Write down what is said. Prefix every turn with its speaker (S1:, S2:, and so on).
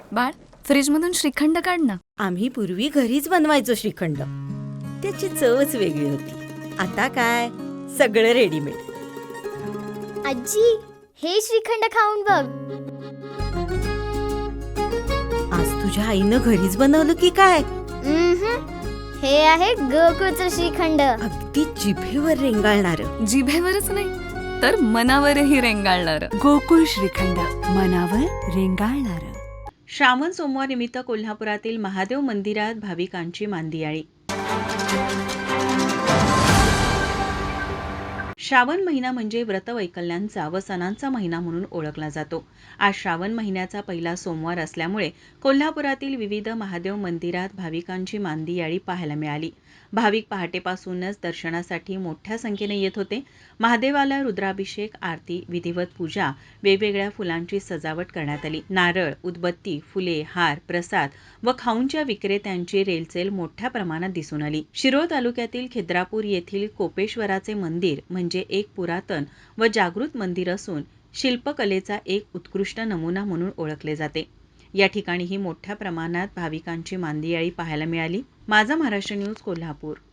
S1: बाळ, फ्रीजमधून श्रीखंड काढ ना.
S2: आम्ही पूर्वी घरीच बनवायचो श्रीखंड. त्याची चवच वेगळी होती. आता काय सगळं रेडीमेड.
S3: आजी, हे श्रीखंड खाऊन बघ.
S2: आज तुझ्या आईनं घरीच बनवलं की काय?
S3: हे आहे गोकुळचं श्रीखंड.
S2: अगदी जिभेवर रेंगाळणार.
S1: जिभेवरच नाही तर मनावरही रेंगाळणार.
S4: गोकुळ श्रीखंड, मनावर रेंगाळणार.
S5: श्रावण सोमवार निमित्त कोल्हापुरातील महादेव मंदिरात भाविकांची मांदियाळी. श्रावण महिना म्हणजे व्रतवैकल्यांचा व सणांचा महिना म्हणून ओळखला जातो. आज श्रावण महिन्याचा पहिला सोमवार असल्यामुळे कोल्हापुरातील विविध महादेव मंदिरात भाविकांची मांदियाळी पाहायला मिळाली. भाविक पहाटेपासूनच दर्शनासाठी मोठ्या संख्येने येत होते. महादेवाला रुद्राभिषेक, आरती, विधिवत पूजा, वेगवेगळ्या फुलांची सजावट करण्यात आली. नारळ, उदबत्ती, फुले, हार, प्रसाद व खाऊंच्या विक्रेत्यांची रेलचेल मोठ्या प्रमाणात दिसून आली. शिरोळ तालुक्यातील खिद्रापूर येथील कोपेश्वराचे मंदिर म्हणजे एक पुरातन व जागृत मंदिर असून शिल्पकलेचा एक उत्कृष्ट नमुना म्हणून ओळखले जाते. या ठिकाणीही मोठ्या प्रमाणात भाविकांची मांदियाळी पाहायला मिळाली. माझा महाराष्ट्र न्यूज, कोल्हापूर.